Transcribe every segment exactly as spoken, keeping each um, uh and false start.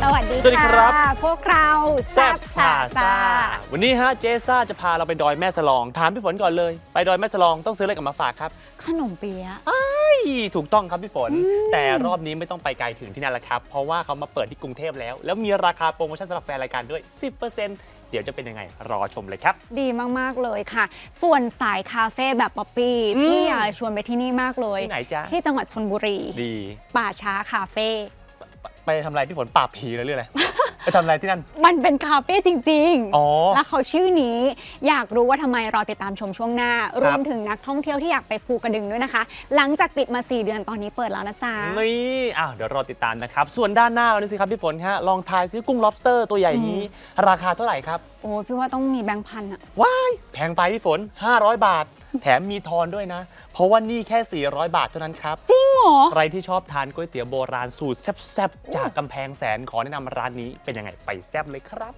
สวัสดีสวัสดีครับพวกเราแซบพลาซ่าวันนี้ฮะเจซ่าจะพาเราไปดอยแม่สลองถามพี่ฝนก่อนเลยไปดอยแม่สลองต้องซื้ออะไรกลับมาฝากครับขนมเปี๊ยะถูกต้องครับพี่ฝนแต่รอบนี้ไม่ต้องไปไกลถึงที่นั่นแล้วครับเพราะว่าเขามาเปิดที่กรุงเทพแล้วแล้วมีราคาโปรโมชั่นสำหรับแฟนรายการด้วย สิบเปอร์เซ็นต์ เดี๋ยวจะเป็นยังไงรอชมเลยครับดีมากๆเลยค่ะ ส่วนสายคาเฟ่แบบป๊อปปี้พี่อยากชวนไปที่นี่มากเลยที่ไหนจ๊ะที่จังหวัดชลบุรีดีป่าช้าคาเฟ่ไปทำอะไรพี่ฝนปราบผีเลยหรืออะไร ไปทำอะไรที่นั่นมันเป็นคาเฟ่จริงอ๋อๆ แล้วเขาชื่อนี้อยากรู้ว่าทำไมรอติดตามชมช่วงหน้า รวมถึงนักท่องเที่ยวที่อยากไปภูกระดึงด้วยนะคะ หลังจากปิดมาสี่เดือนตอนนี้เปิดแล้วนะจ๊ะนี่อ้าวเดี๋ยวรอติดตามนะครับส่วนด้านหน้าเรานี่สิครับพี่ฝนฮะลองทายซิกุ้ง lobster ตัวใหญ่นี้ราคาเท่าไหร่ครับโอ้พี่ว่าต้องมีแบงค์พันอะว้ายแพงไปพี่ฝนห้าร้อยบาท แถมมีทอนด้วยนะ เพราะว่านี่แค่สี่ร้อยบาทเท่านั้นครับจริงเหรอใครที่ชอบทานก๋วยเตี๋ยวโบราณสูตรแซ่บๆ จากกำแพงแสนขอแนะนำร้านนี้เป็นยังไงไปแซ่บเลยครับ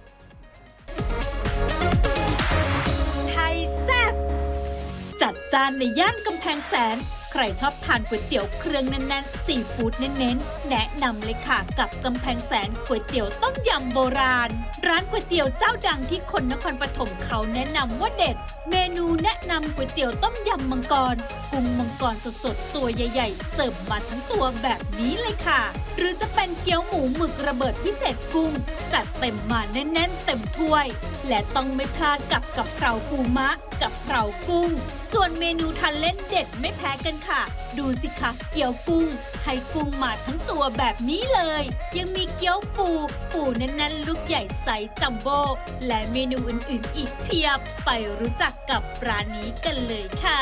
ไทยแซ่บจัดจานในย่านกำแพงแสน ใครชอบทานก๋วยเตี๋ยวเครื่องแน่นๆซีฟู้ดเน้นๆแนะนำเลยค่ะกับกำแพงแสนก๋วยเตี๋ยวต้มยำโบราณ ร้านก๋วยเตี๋ยวเจ้าดังที่คนนครปฐมเขาแนะนำว่าเด็ด เมนูแนะนำก๋วยเตี๋ยวต้มยำมังกรกุ้งมังกรสดๆตัวใหญ่ๆเสิร์ฟมาทั้งตัวแบบนี้เลยค่ะ หรือจะเป็นเกี๊ยวหมูหมึกระเบิดพิเศษกุ้งจัดเต็มมาแน่นๆเต็มถ้วย และต้องไม่พลาดกับกับเพราปูมะกับเพรากุ้ง ส่วนเมนูทานเล่นเด็ดไม่แพ้กันค่ะ ดูสิคะเกี๊ยวกุ้งให้กุ้งมาทั้งตัวแบบนี้เลย ยังมีเกี๊ยวปู ปูแน่นๆลูกใหญ่ไซส์จัมโบ้และเมนูอื่นๆอีกเพียบ ไปรู้จักกับร้านนี้กันเลยค่ะ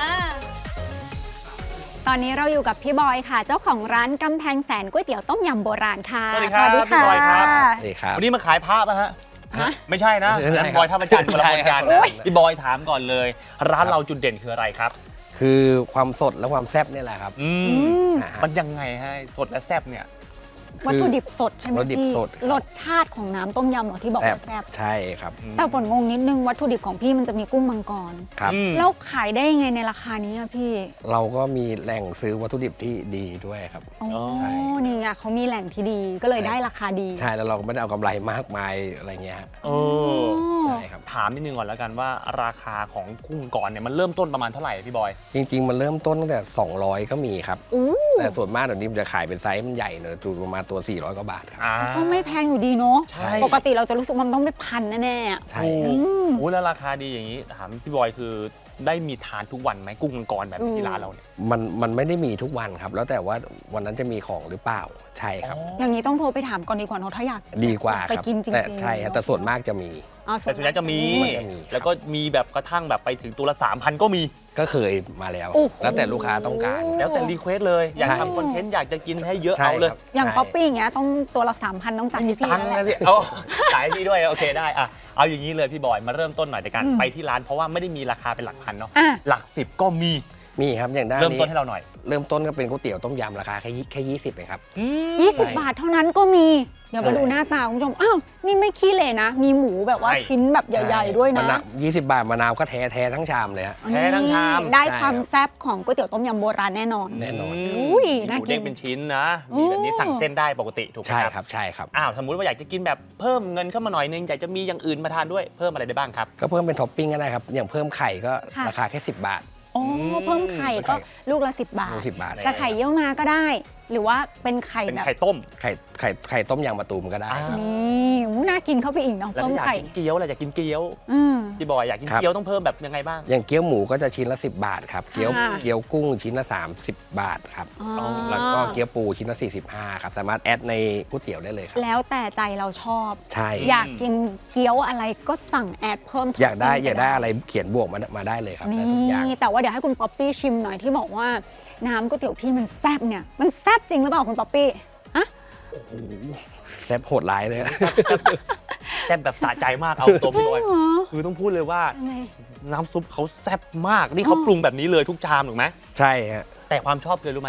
ตอนนี้เราอยู่กับพี่บอยค่ะ เจ้าของร้านกำแพงแสนก๋วยเตี๋ยวต้มยำโบราณค่ะสวัสดีครับพี่บอยครับสวัสดีครับวันนี้มาขายภาพนะฮะฮะไม่ใช่นะไม่ใช่พี่บอยท่าประจันทร์คนละคนกันใช่ครับพี่บอยถามก่อนเลย ร้านเราจุดเด่นคืออะไรครับคือความสดและความแซ่บนี่แหละครับอือืมมอ่าฮะมันยังไงให้สดและแซ่บเนี่ยวัตถุดิบสดใช่ไหมวัตถุดิบพี่สดครับรสชาติของน้ำต้มยำเหรอที่บอกว่าแซ่บใช่ครับแต่ฝนงงนิดนึงวัตถุดิบของพี่มันจะมีกุ้งมังกรครับอืมแล้วขายได้ยังไงในราคานี้อะพี่เราก็มีแหล่งซื้อวัตถุดิบที่ดีด้วยครับอ๋อใช่นี่ไงเขามีแหล่งที่ดีก็เลยได้ราคาดีใช่แล้วเราก็ไม่ได้เอากำไรมากมายอะไรเงี้ยฮะเออใช่ครับถามนิดนึงก่อนแล้วกันว่าราคาของกุ้งก่อนเนี่ยมันเริ่มต้นประมาณเท่าไหร่พี่บอยจริง ๆ มันเริ่มต้นตั้งแต่สองร้อยก็มีครับอู้แต่ส่วนมากเดี๋ยวนี้มันจะขายเป็นไซส์มันใหญ่เนอะตัวประมาณตัวสี่ร้อยกว่าบาทครับอ่าก็ไม่แพงอยู่ดีเนาะใช่ปกติเราจะรู้สึกว่ามันต้องไปพันแน่ๆอะใช่โอ้ครับมโหแล้วราคาดีอย่างนี้ถามพี่บอยคือได้มีทานทุกวันไหมกุ้งมังกรแบบอืมที่ร้านเราเนี่ยมันมันไม่ได้มีทุกวันครับ แล้วแต่ว่าวันนั้นจะมีของหรือเปล่าใช่ครับอย่างนี้ต้องโทรไปถามก่อนดีกว่าเนาะถ้าอยากดีกว่าไปครับกินจริงๆแต่ใช่ครับแต่ส่วนมากจะมีอ๋อแต่ส่วนใหญ่จะมีมันจะมีแล้วก็มีแบบกระทั่งแบบไปถึงตัวละ สามพัน ก็มีก็เคยมาแล้วโอ้โหแล้วแต่ลูกค้าต้องการแล้วแต่รีเควสเลย อยากใช่ทำคอนเทนต์อยากจะกินให้เยอะใช่เอาเลยครับอย่างใช่ป๊อปปี้อย่างเงี้ยต้องตัวละสามพันต้องจ่ายให้พี่ตังค์แล้วนะแหละพี่เอาขายให้พี่ด้วยโอเคได้อะเอาอย่างนี้เลยพี่บอยมาเริ่มต้นหน่อยในการอืมไปที่ร้านเพราะว่าไม่ได้มีราคาเป็นหลักพันเนาะอ่ะหลักสิบก็มีมีครับอย่างด้านเริ่มนี้ต้นให้เราหน่อยเริ่มต้นก็เป็นก๋วยเตี๋ยวต้มยำราคาแค่ยี่แค่ยี่สิบเองครับยี่สิบใช่บาทเท่านั้นก็มี เดี๋ยวมาใช่ดูหน้าตาคุณผู้ชม อ้าว นี่ไม่ขี้เหร่นะ มีหมูแบบว่าใช่ชิ้นแบบใหญ่ ๆ ด้วยนะมาวยี่สิบบาทมะนาวก็แท้แท้ทั้งชามเลยฮะแท้ทั้งชามนี่ได้ใช่ความครับแซ่บของก๋วยเตี๋ยวต้มยำโบราณแน่นอนแน่นอนมอุ้ยมีน่าหมูกินเด้งเป็นชิ้นนะ มีแบบนี้โอ้สั่งเส้นได้ปกติถูกไหมใช่ครับครับใช่ครับอ้าวสมมุติว่าอยากจะกินแบบเพิ่มเงินเข้ามาหน่อยนึงอยากจะมีอย่างอื่นมาทานด้วยเพิ่มอะไรได้บ้างครับก็เพิ่มเป็นท็อปปิ้งก็ได้ครับ อย่างเพิ่มไข่ก็ค่ะราคาแค่สิบบาทโอ้เพิ่มไข่ก็ลูกละสิบบาทลูกสิบบาทจะไข่เยี่ยวมาก็ได้ หรือว่าเป็นไข่เป็นแบบไข่ต้มไข่ไข่ไข่ต้มยางมะตูมก็ได้อ่านี่อู้น่ากินเข้าไปอีกเนาะแล้วเพิ่มถ้าอยากไข่กินเกี๊ยวอะไรอยากกินเกี๊ยวอืมพี่บอยอยากกินครับเกี๊ยวต้องเพิ่มแบบยังไงบ้างอย่างเกี๊ยวหมูก็จะชิ้นละสิบบาทครับ เกี๊ยวค่ะเกี๊ยวกุ้งชิ้นละสามสิบบาทครับอ๋อแล้วก็เกี๊ยวปูชิ้นละสี่สิบห้าครับ สามารถแอดในก๋วยเตี๋ยวได้เลยครับแล้วแต่ใจเราชอบใช่อยากกินเกี๊ยวอะไรก็สั่งแอดเพิ่มอยากได้ท็ปปิ้งอยากได้อะไรเขียนบวกมามาได้เลยครับได้ทุกอย่างนี่แต่ว่าเดี๋ยวให้คุณป๊อปปี้ชิมหน่อยที่บอกว่าน้ำก๋วยเตี๋ยวพี่มันแซ่บเนี่ยมันแซ่บจริงหรือเปล่าคุณป๊อปปี้อะแซ่บโหดร้ายเลยนะแซ่บแบบสะใจมากเอาตัวพี่บอยเหรอคือต้องพูดเลยว่าทำไมน้ำซุปเขาแซ่บมากนี่เขาปรุงแบบนี้เลยทุกชามถูกไหมใช่ฮะแต่ความชอบเลยรู้ไหม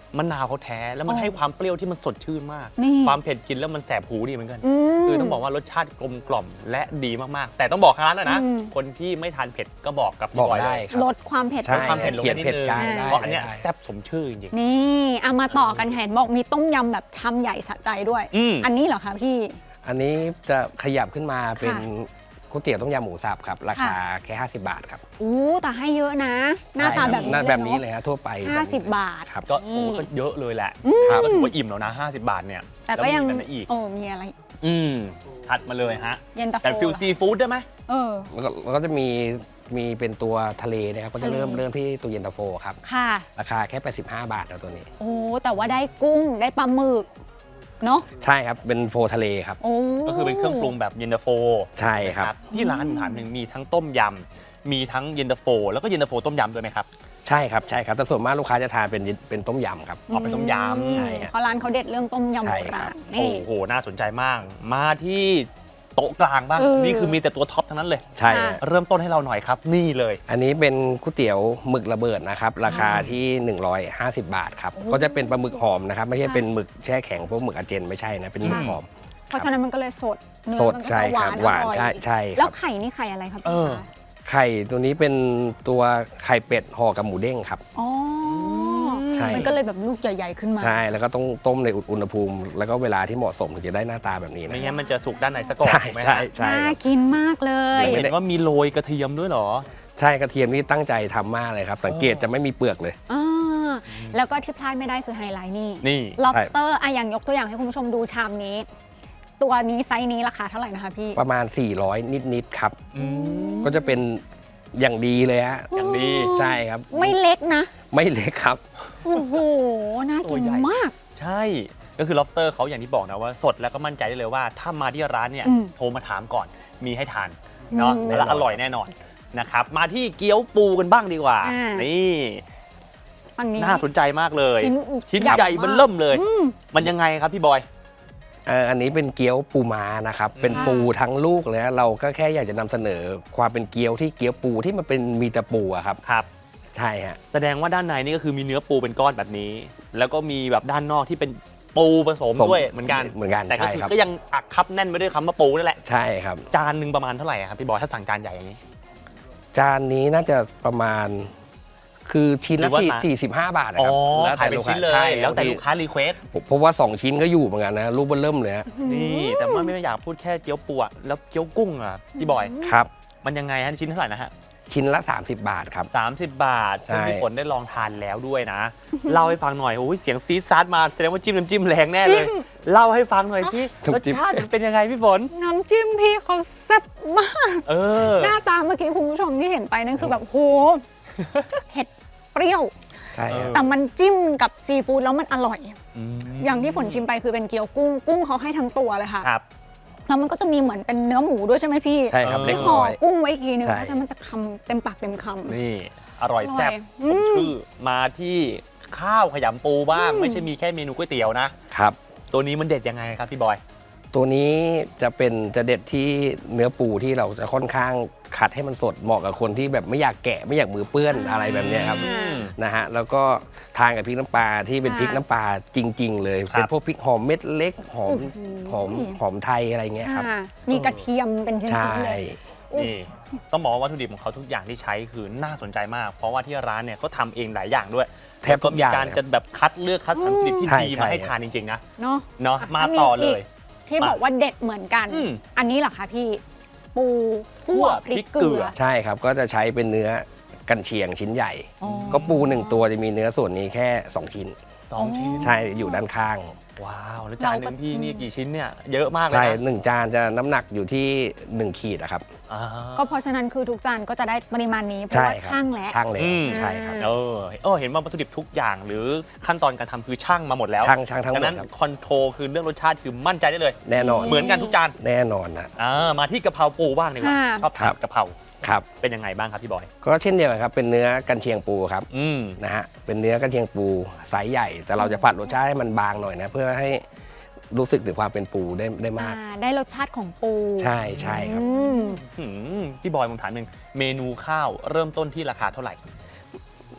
มะนาวเขาแท้แล้วมันอ๋อให้ความเปรี้ยวที่มันสดชื่นมากนี่ความเผ็ดกินแล้วมันแสบหูดีเหมือนกันอืมคือต้องบอกว่ารสชาติกลมกล่อมและดีมากๆ แต่ต้องบอกทางร้านนะนะอืมคนที่ไม่ทานเผ็ดก็บอกกับบพี่อกบอยได้เลยครับลดความเผ็ดใช่ลงความเผ็ดลงเขียนนิดเผ็ดนึงกลางได้เพราะอันเนี้ยได้แซ่บสมชื่อจริงนี่เอามาต่อกันเห็นบอกมีต้มยำแบบชามใหญ่สะใจด้วยอืมอันนี้เหรอคะพี่อันนี้จะขยับขึ้นมาเป็นค่ะก๋วยเตี๋ยวต้มยำหมูสับครับ ราคาแค่ ห้าสิบบาทครับอู้แต่ให้เยอะนะ หน้าตาแบบนี้หน้าเลยแบบนี้เนอะเลยฮะทั่วไปห้าสิบบาทครับๆ ก็โอ้ก็เยอะเลยแหละครับก็ถือว่าอิ่มแล้วนะ ห้าสิบบาทเนี่ยแต่ก็ยังแล้วมีอะไรอีกโอ้มีอะไรอืมถัดมาเลยฮะเย็นตาโฟแต่ฟิลซีฟู้ดได้ไหมเออแล้วก็แล้วก็จะมีมีเป็นตัวทะเลนะครับก็จะเริ่มทะเลเริ่มที่ตัวเย็นตาโฟครับค่ะราคาแค่ แปดสิบห้า บาทนะตัวนี้โอ้แต่ว่าได้กุ้งได้ปลาหมึกเนาะใช่ครับเป็นโฟทะเลครับโอ้ก็คือเป็นเครื่องปรุงแบบเย็นตาโฟใช่ครับนะที่ร้านผมถามหนึ่งมีทั้งต้มยำมีทั้งเย็นตาโฟ แล้วก็เย็นตาโฟต้มยำด้วยไหมครับใช่ครับใช่ครับแต่ส่วนมากลูกค้าจะทานเป็นเป็นต้มยำครับออกเป็นต้มยำใช่ฮะเพราะร้านเขาเด็ดเรื่องต้มยำใช่โบครัราบณนี่โอ้โห น่าสนใจมาก มาที่โต๊ะกลางบ้างเออนี่คือมีแต่ตัวท็อปทั้งนั้นเลยใช่ค่ะฮะเริ่มต้นให้เราหน่อยครับ นี่เลยอันนี้เป็นก๋วยเตี๋ยวหมึกระเบิดนะครับ ราคาที่ หนึ่งร้อยห้าสิบ บาทครับ ก็จะเป็นปลาหมึกหอมนะครับ ไม่ใช่เป็นหมึกแช่แข็งพวกหมึกอาเจนไม่ใช่นะ เป็นหมึกหอมเพราะฉะนั้นมันก็เลยสดเนื้อสดมันก็ใช่จะหควารับนหวานอร่อยใช่ใช่คแล้รัวบไข่นี่ไข่อะไรครับเอพี่อคะไข่ตัวนี้เป็นตัวไข่เป็ดห่อกับหมูเด้งครับอ๋อใช่มันก็เลยแบบลูกใหญ่ๆขึ้นมาใช่ แล้วก็ต้องต้มในอุณหภูมิ แล้วก็เวลาที่เหมาะสมถึงจะได้หน้าตาแบบนี้นะไม่งั้นมันจะสุกด้านในซะก่อนใช่ถูกไหมใช่ฮะใช่น่าครับกินมากเลยเห็นว่ามีโรยกระเทียมด้วยเหรอใช่กระเทียมนี่ตั้งใจทำมากเลยครับ สังเกตจะไม่มีเปลือกเลยอ่าแล้วก็ที่พลาดไม่ได้คือไฮไลท์นี่นี่ lobster อ่ะอย่างยกตัวอย่างให้คุณผู้ชมดูชามนี้ ตัวนี้ไซส์นี้ราคาเท่าไหร่นะคะพี่ประมาณ สี่ร้อย นิดๆครับอืมก็จะเป็นอย่างดีเลยฮะอย่างดีใช่ครับไม่เล็กนะไม่เล็กครับโอ้โห น่ากินตัวใหญ่มากใช่ ก็คือ lobster เขาอย่างที่บอกนะว่าสดแล้วก็มั่นใจได้เลยว่า ถ้ามาที่ร้านเนี่ยอืมโทรมาถามก่อน มีให้ทานเนาะอืมแล้วอร่อยแน่นอนนะครับ มาที่เกี๊ยวปูกันบ้างดีกว่าอ่านี่ฝั่งนี้น่าสนใจมากเลยชิ้นชิ้นใหญ่ใหญ่มากเบิ่มเริ่มเลยอืมมันยังไงครับพี่บอยเอ่ออันนี้เป็นเกี๊ยวปูม้านะครับ เป็นค่ะปูทั้งลูกเลยฮะเราก็แค่อยากจะนำเสนอความเป็นเกี๊ยวที่เกี๊ยวปูที่มันเป็นมีแต่ปูอะครับครับใช่ฮะแสดงว่าด้านในนี่ก็คือมีเนื้อปูเป็นก้อนแบบนี้ แล้วก็มีแบบด้านนอกที่เป็นปูผสมผมด้วยเหมือนกันเหมือนกันแต่ก็ใช่คือครับก็ยังอักคับแน่นไปด้วยคำว่าปูนั่นแหละใช่ครับจานหนึ่งประมาณเท่าไหร่อะครับพี่บอยถ้าสั่งจานใหญ่อย่างนี้จานนี้น่าจะประมาณ คือชิ้นหรืละอว่าสี่มาสี่สิบห้าบาทนะอ๋อครับขายเป็นชิ้นเลยใช่แล้วแต่ลูกค้ารีเควสผมเพราะว่าสองชิ้นก็อยู่เหมือนกันนะลูกเบนเริ่มเลยฮะนี่แต่ว่าไม่อยากพูดแค่เกี๊ยวปูอะแล้วเกี๊ยวกุ้งอะพี่บอยครับมันยังไงฮะชิ้นเท่าไหร่นะฮะชิ้นละ สามสิบ บาทครับสามสิบบาทซึ่งใช่พี่ฝนได้ลองทานแล้วด้วยนะ เล่าให้ฟังหน่อยโอ้ยเสียงซีดซาร์มาแสดงว่าจิ้มน้ำจิ้มแรงแน่เลย เล่าให้ฟังหน่อยสิรสชาติมันเป็นยังไงพี่ฝนน้ำจิ้มพี่เขาแซ่บมากเออหน้าตาเมื่อกี้คุณผู้ชมที่เห็นไปนั่นคือแบบโห เผ็ดเปรี้ยวใช่ครับแต่มันจิ้มกับซีฟู้ดแล้วมันอร่อยอืมอย่างที่ฝนชิมไปคือเป็นเกี๊ยวกุ้ง กุ้งเขาให้ทั้งตัวเลยค่ะครับแล้วมันก็จะมีเหมือนเป็นเนื้อหมูด้วยใช่ไหมพี่ใช่ครับเออเล็กห่อน้อยกุ้งไว้อีกทีนึงใช่เพราะฉะนั้นมันจะคำเต็มปากเต็มคำนี่อร่อยแซ่บอร่อยสมชื่อมาที่ข้าวขยำปูบ้าง ไม่ใช่มีแค่เมนูก๋วยเตี๋ยวนะครับตัวนี้มันเด็ดยังไงครับพี่บอยตัวนี้จะเป็นจะเด็ดที่เนื้อปูที่เราจะค่อนข้างขัดให้มันสดเหมาะกับคนที่แบบไม่อยากแกะไม่อยากมือเปื้อนอะไรแบบเนี้ยครับอืมนะฮะแล้วก็ทานกับพริกน้ำปลาที่เป็นค่ะพริกน้ำปลาจริง ๆ เลยครับเป็นพวกพริกหอมเม็ดเล็กหอมโอ้โหหอมหอมไทยอะไรเงี้ยครับอ่ามีกระเทียมเป็นชิ้ใช่นๆเลยนี่ต้องบอกว่าวัตถุดิบของเขาทุกอย่างที่ใช้คือน่าสนใจมาก เพราะว่าที่ร้านเนี่ยเขาทำเองหลายอย่างด้วยแทบทุกอย่างแล้วมีการจะแบบคัดเลือกคัดสรรผลิตที่ใช่ดีใช่มาให้ทานจริงๆนะเนาะเนาะอ่ะมาแล้วมีต่อเลยอีก ที่มาบอกว่าเด็ดเหมือนกันอืมอันนี้เหรอคะพี่ ปูคั่วพริกเกลือใช่ครับก็จะใช้เป็นเนื้อกันเชียงชิ้นใหญ่อ๋อก็ปูหนึ่งตัวจะมีเนื้อส่วนนี้แค่สองชิ้นสองชิ้นใช่อยู่ด้านข้างว้าวแล้วจานหนึเรางก็พี่นี่กี่ชิ้นเนี่ยเยอะมากเลยใช่นะหนึ่งจานจะน้ำหนักอยู่ที่หนึ่งขีดอะครับอ่าก็เพราะฉะนั้นคือทุกจานก็จะได้ปริมาณนี้เพราะใช่ว่าครับช่างแล้วช่างเลยอืมใช่ครับเออเออเห็นว่าวัตถุดิบทุกอย่าง หรือขั้นตอนการทำคือช่างมาหมดแล้วช่างช่างทั้งหดัมงดนั้นครับคอนโทรลคือเรื่องรสชาติคือมั่นใจได้เลยแน่นอนเหมือนกันทุกจานแน่นอนนะอ่ามาที่กะเพราปูบ้างดีกว่าค่ะชอบทานกะเพราครับเป็นยังไงบ้างครับพี่บอยก็เช่นเดียวกันครับเป็นเนื้อกันเชียงปูครับอืมนะฮะเป็นเนื้อกันเชียงปูไซส์ใหญ่ แต่เราจะผัดรสชาติให้มันบางหน่อยนะเพื่อให้รู้สึกถึงความเป็นปูได้ได้มากอ่าได้รสชาติของปูใช่ใช่ครับอืมหืมพี่บอยผมถามหนึ่งเมนูข้าวเริ่มต้นที่ราคาเท่าไหร่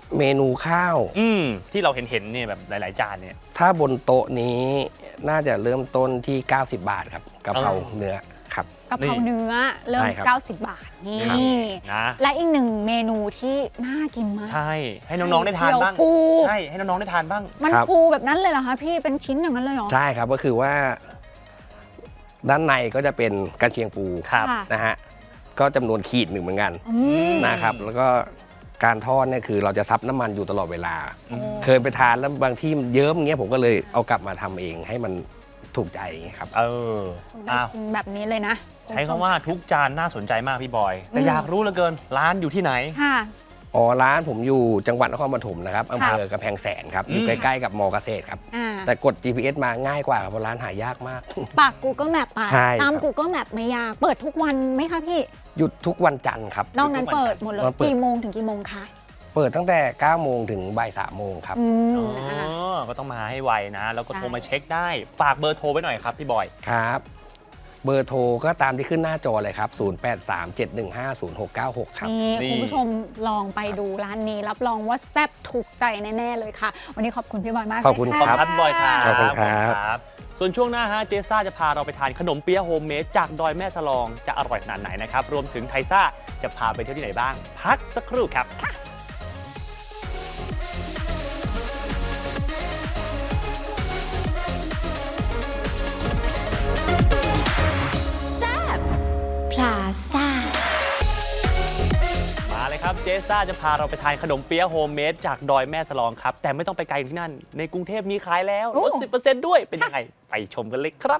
เมนูข้าวอืมที่เราเห็นเห็นๆเนี่ยแบบหลาย ๆ จานเนี่ยถ้าบนโต๊ะนี้น่าจะเริ่มต้นที่ เก้าสิบบาทครับกะเพราเออเนื้อครับกะเพราเนื้อเริ่มใช่ครับเก้าสิบบาทนี่ครับนะและอีกหนึ่งเมนูที่น่ากินมากใช่ให้น้อง ๆ ได้ทานบ้างไข่เจียวปูใช่ให้น้อง ๆ ได้ทานบ้างมันครับฟูแบบนั้นเลยเหรอคะพี่เป็นชิ้นอย่างนั้นเลยเหรอใช่ครับก็คือว่า ด้านในก็จะเป็นกระเทียงปูครับค่ะนะฮะก็จำนวนขีดหนึ่งเหมือนกันอืมนะครับ แล้วก็การทอดเนี่ยคือเราจะซับน้ำมันอยู่ตลอดเวลาอืมเคยไปทานแล้วบางที่มันเยิ้มอย่างเงี้ยผมก็เลยเอากลับมาทำเองให้มันถูกใจอย่างเงี้ยครับเออได้อ้าวกินแบบนี้เลยนะใช้คำว่าทุกจานน่าสนใจมากพี่บอย แต่อืมอยากรู้เหลือเกินร้านอยู่ที่ไหนค่ะอ๋อร้านผมอยู่จังหวัดนครปฐมนะครับอำเภอกำแพงแสนครับ อยู่อืมใกล้ๆกับมอเกษตรครับอ่าแต่กด จี พี เอส มาง่ายกว่าครับเพราะร้านหายากมากปาก Google Map ไปใช่ตามครับ Google Map ไม่ยาก เปิดทุกวันไหมคะพี่หยุดทุกวันจันทร์ครับนอกนั้นเปิดหมดเลยเปิดกี่โมงถึงกี่โมงคะเปิดตั้งแต่ เก้าโมงถึงบ่ายสามโมงครับอืมอ๋ออ่าก็ต้องมาให้ไวนะ แล้วก็ใช่โทรมาเช็คได้ ฝากเบอร์โทรไว้หน่อยครับพี่บอยครับ เบอร์โทรก็ตามที่ขึ้นหน้าจอเลยครับ ศูนย์ แปด สาม เจ็ด หนึ่ง ห้า ศูนย์ หก เก้า หก ครับนี่นี่คุณผู้ชมลองไปดูร้านนี้ รับรองว่าแซ่บถูกใจแน่ ๆ เลยค่ะ วันนี้ขอบคุณพี่บอยมากเลยขอบคุณะขอบคุณครับพี่บอยครับขอบคุณครับบส่วนช่วงหน้าฮะเจซ่าจะพาเราไปทานขนมเปี๊ยะโฮมเมดจากดอยแม่สลองจะอร่อยขนาดไหนนะครับ รวมถึงไทซ่าจะพาไปเที่ยวที่ไหนบ้าง พักสักครู่ครับพลาซ่ามาเลยครับเจซ่าจะพาเราไปทานขนมเปี๊ยะโฮมเมดจากดอยแม่สลองครับ แต่ไม่ต้องไปไกลถึงที่นั่น ในกรุงเทพมีขายแล้วลด สิบเปอร์เซ็นต์ ด้วยเป็นยังไง ไปชมกันเลยครับ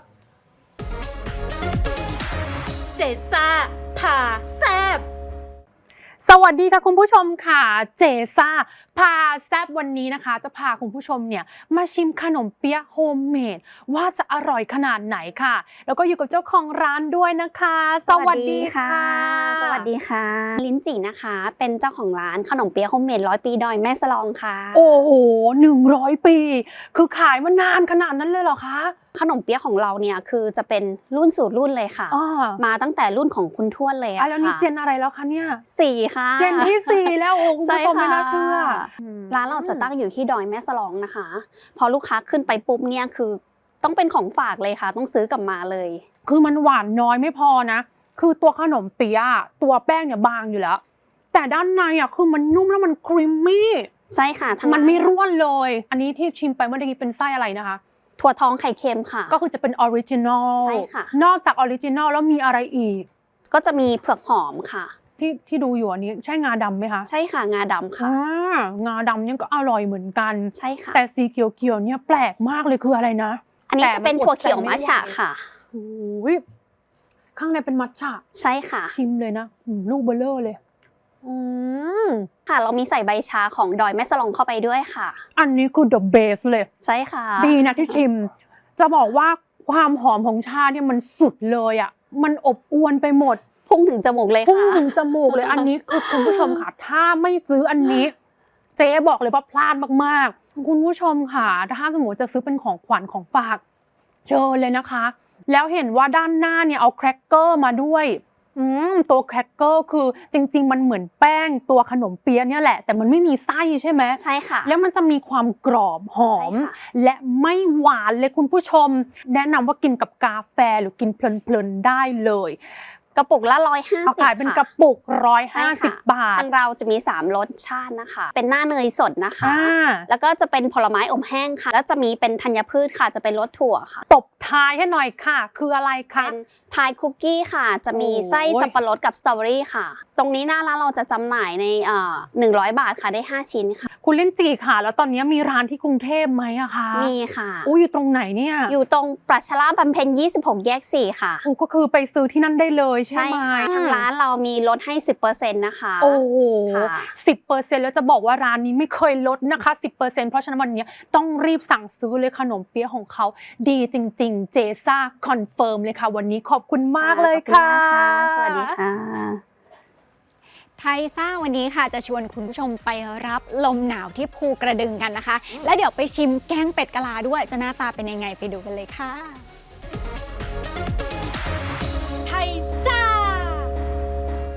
เจซ่าพาแซบสวัสดีค่ะคุณผู้ชมค่ะเจซ่าพาแซบวันนี้นะคะ จะพาคุณผู้ชมเนี่ยมาชิมขนมเปี๊ยะโฮมเมดว่าจะอร่อยขนาดไหนค่ะ แล้วก็อยู่กับเจ้าของร้านด้วยนะคะ สวัสดีค่ะสวัสดีค่ะ ลิ้นจี่นะคะ เป็นเจ้าของร้านขนมเปี๊ยะโฮมเมดร้อยปีดอยแม่สลองค่ะโอ้โหหนึ่งร้อยปี คือขายมานานขนาดนั้นเลยเหรอคะขนมเปี๊ยะของเราเนี่ยคือจะเป็นรุ่นสู่รุ่นเลยค่ะอ๋อมาตั้งแต่รุ่นของคุณทวดเลยอ่ะอะแล้วนี่ค่ะเจนอะไรแล้วคะเนี่ยสี่ค่ะเจนที่สี่แล้วโอ้คุณใช่ผู้ชมไม่ค่ะน่าเชื่อร้านเราจะตั้งอยู่ที่ดอยแม่สลองนะคะ พอลูกค้าขึ้นไปปุ๊บเนี่ยคือต้องเป็นของฝากเลยค่ะ ต้องซื้อกลับมาเลยคือมันหวานน้อยไม่พอนะ คือตัวขนมเปี๊ยะตัวแป้งเนี่ยบางอยู่แล้ว แต่ด้านในอ่ะคือมันนุ่มแล้วมันครีมมี่ใช่ค่ะทางมันไม่ร้าร่วนเลย อันนี้ที่ชิมไปเมื่อกี้เป็นไส้อะไรนะคะถั่วทองไข่เค็มค่ะก็คือจะเป็นออริจินอลใช่ค่ะนอกจากออริจินอลแล้วมีอะไรอีกก็จะมีเผือกหอมค่ะที่ที่ดูอยู่อันนี้ใช่งาดำไหมคะใช่ค่ะงาดำค่ะอ่างาดำเนี่ยก็อร่อยเหมือนกันใช่ค่ะแต่สีเขียวๆเนี่ยแปลกมากเลยคืออะไรนะอันนี้จะเป็นถั่วเขียวมัทฉะค่ะโอ้ยข้างในเป็นมัทฉะใช่ค่ะชิมเลยนะอืมลูกเบลเลอร์เลย อืมค่ะ เรามีใส่ใบชาของดอยแม่สลองเข้าไปด้วยค่ะอันนี้คือ the best เลยใช่ค่ะดีนะที่ชิม จะบอกว่าความหอมของชาเนี่ยมันสุดเลยอ่ะ มันอบอวลไปหมดพุ่งถึงจมูกเลยพุ่งค่ะถึงจมูกเลย อันนี้คือคุณผู้ชมค่ะ ถ้าไม่ซื้ออันนี้ เจ๊บอกเลยว่าพลาดมากๆ คุณผู้ชมค่ะ ถ้าสมมติจะซื้อเป็นของขวัญของฝากเชิญเลยนะคะ แล้วเห็นว่าด้านหน้าเนี่ยเอาแครกเกอร์มาด้วย อืมตัวแครกเกอร์คือจริงๆมันเหมือนแป้งตัวขนมเปี๊ยะเนี่ยแหละ แต่มันไม่มีไส้ใช่ไหมใช่ค่ะแล้วมันจะมีความกรอบหอมใช่ค่ะและไม่หวานเลยคุณผู้ชม แนะนำว่ากินกับกาแฟหรือกินเพลินๆได้เลยกระปุกละร้อยห้าเขาสิบขายเป็นกระปุกร้อยใช่ห้าสิบค่ะบาททางเราจะมีสามรสชาตินะคะ เป็นหน้าเนยสดนะคะอ่าแล้วก็จะเป็นผลไม้อบแห้งค่ะ แล้วจะมีเป็นธัญพืชค่ะ จะเป็นรสถั่วค่ะตบท้ายให้หน่อยค่ะ คืออะไรคะเป็นพายคุกกี้ค่ะ จะมีโอ้ยไส้สับปะรดกับสตรอเบอรี่ค่ะ ตรงนี้หน้าร้านเราจะจำหน่ายในเอ่อหนึ่งร้อยบาทค่ะได้ห้าชิ้นค่ะคุณเล่นจีค่ะ แล้วตอนนี้มีร้านที่กรุงเทพไหมอะคะมีค่ะอู้อยู่ตรงไหนเนี่ยอยู่ตรงปรัชราบำเพ็ญยี่สิบหกแยกสี่ค่ะอู้ก็คือไปซื้อที่นั่นได้เลยใช่ใช่ไหมค่ะทางร้านเรามีลดให้ สิบเปอร์เซ็นต์ นะคะโอ้โหค่ะสิบเปอร์เซ็นต์แล้วจะบอกว่าร้านนี้ไม่เคยลดนะคะสิบเปอร์เซ็นต์เพราะฉะนั้นวันนี้ต้องรีบสั่งซื้อเลยขนมเปี๊ยะของเขาดีจริงๆ เจซ่าคอนเฟิร์มเลยค่ะ วันนี้ขอบคุณมากเลยค่ะขอบณมากค่ะสวัสดีค่ะไทซ่าวันนี้ค่ะจะชวนคุณผู้ชมไปรับลมหนาวที่ภูกระดึงกันนะคะ และเดี๋ยวไปชิมแกงเป็ดกะลาด้วยจะหน้าตาเป็นยังไงไปดูกันเลยค่ะไทซ่า ไท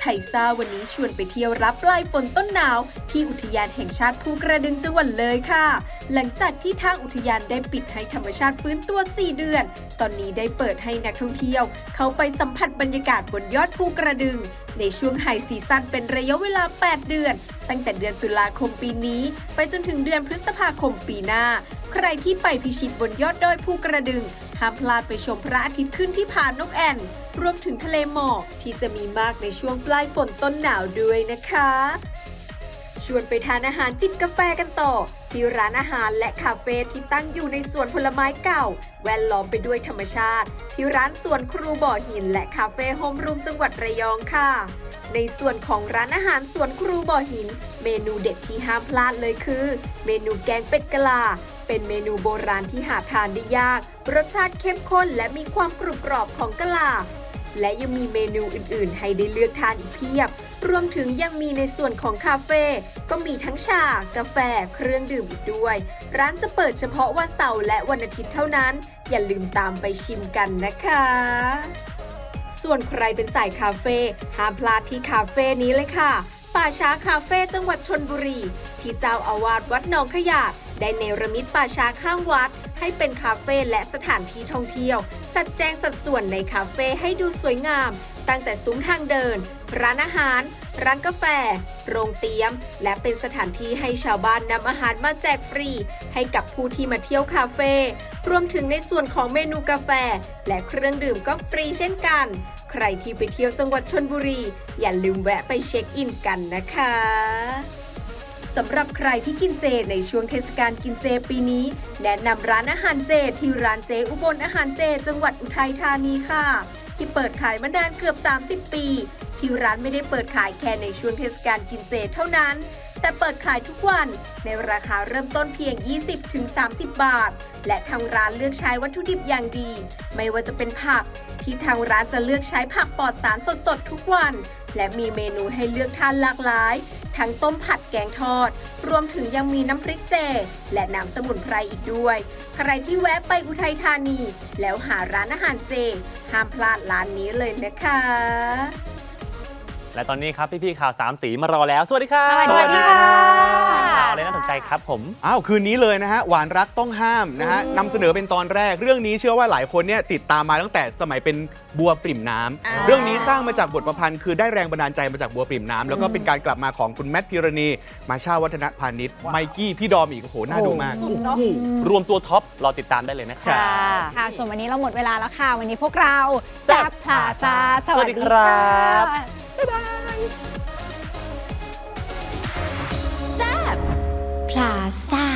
ยซ่าวันนี้ชวนไปเที่ยวรับปลายฝนต้นหนาวที่อุทยานแห่งชาติภูกระดึงจังหวัดเลยค่ะ หลังจากที่ทางอุทยานได้ปิดให้ธรรมชาติฟื้นตัว สี่เดือน ตอนนี้ได้เปิดให้นักท่องเที่ยวเข้าไปสัมผัสบรรยากาศบนยอดภูกระดึงในช่วงไฮซีซั่นเป็นระยะเวลา แปด เดือน ตั้งแต่เดือนตุลาคมปีนี้ไปจนถึงเดือนพฤษภาคมปีหน้า ใครที่ไปพิชิตบนยอดดอยภูกระดึงห้ามพลาดไปชมพระอาทิตย์ขึ้นที่ผานกแอ่นรวมถึงทะเลหมอกที่จะมีมากในช่วงปลายฝนต้นหนาวด้วยนะคะ ชวนไปทานอาหารจิบกาแฟกันต่อ ที่ร้านอาหารและคาเฟ่ที่ตั้งอยู่ในสวนผลไม้เก่า แวดล้อมไปด้วยธรรมชาติ ที่ร้านสวนครูบ่อหินและคาเฟ่โฮมรูมจังหวัดระยองค่ะ ในส่วนของร้านอาหารสวนครูบ่อหิน เมนูเด็ดที่ห้ามพลาดเลยคือ เมนูแกงเป็ดกะลา เป็นเมนูโบราณที่หาทานได้ยาก รสชาติเข้มข้นและมีความกรุบกรอบของกะลา และยังมีเมนูอื่นๆ ให้ได้เลือกทานอีกเพียบ รวมถึงยังมีในส่วนของคาเฟ่ก็มีทั้งชา กาแฟ เครื่องดื่มอีกด้วย ร้านจะเปิดเฉพาะวันเสาร์และวันอาทิตย์เท่านั้น อย่าลืมตามไปชิมกันนะคะ ส่วนใครเป็นสายคาเฟ่ห้ามพลาดที่คาเฟ่นี้เลยค่ะ ป่าช้าคาเฟ่จังหวัดชลบุรี ที่เจ้าอาวาสวัดหนองขยาดได้เนรมิตป่าช้าข้างวัด ให้เป็นคาเฟ่และสถานที่ท่องเที่ยว จัดแจงสัดส่วนในคาเฟ่ให้ดูสวยงาม ตั้งแต่ซุ้มทางเดิน ร้านอาหาร ร้านกาแฟ โรงเตี๊ยม และเป็นสถานที่ให้ชาวบ้านนำอาหารมาแจกฟรี ให้กับผู้ที่มาเที่ยวคาเฟ่รวมถึงในส่วนของเมนูกาแฟ และเครื่องดื่มก็ฟรีเช่นกัน ใครที่ไปเที่ยวจังหวัดชลบุรี อย่าลืมแวะไปเช็คอินกันนะคะสำหรับใครที่กินเจในช่วงเทศกาลกินเจปีนี้ แนะนำร้านอาหารเจที่ร้านเจอุบลอาหารเจจังหวัดอุทัยธานีค่ะ ที่เปิดขายมานานเกือบ สามสิบ ปี ที่ร้านไม่ได้เปิดขายแค่ในช่วงเทศกาลกินเจเท่านั้น แต่เปิดขายทุกวันในราคาเริ่มต้นเพียง ยี่สิบถึงสามสิบ บาท และทางร้านเลือกใช้วัตถุดิบอย่างดี ไม่ว่าจะเป็นผักที่ทางร้านจะเลือกใช้ผักปลอดสารสดๆทุกวัน และมีเมนูให้เลือกทานหลากหลาย ทั้งต้มผัดแกงทอด รวมถึงยังมีน้ำพริกเจ และน้ำสมุนไพรอีกด้วย ใครที่แวะไปอุทัยธานี แล้วหาร้านอาหารเจ ห้ามพลาดร้านนี้เลยนะคะและตอนนี้ครับพี่ๆข่าวสามสีมารอแล้ว สวัสดีครับสวัสดีค่ะข่าวอะไรน่าสนใจครับผมอ้าวคืนนี้เลยนะฮะหวานรักต้องห้ามนะฮะนำเสนอเป็นตอนแรกเรื่องนี้เชื่อว่าหลายคนเนี่ยติดตามมาตั้งแต่สมัยเป็นบัวปริ่มน้ำอ่าเรื่องนี้สร้างมาจากบทประพันธ์คือได้แรงบันดาลใจมาจากบัวปริ่มน้ำแล้วก็เป็นการกลับมาของคุณแมทพิรณีมาชาวัฒนพานิชไมกี้พี่ดอมอีกโอ้โหน่าดูมากรวมตัวท็อปรอติดตามได้เลยนะครับค่ะ ส่วนวันนี้เราหมดเวลาแล้วค่ะ วันนี้พวกเราแซ่บพลาซาสวัสดีสวัสดีครับค่ะบ๊ายบายพลาซ่า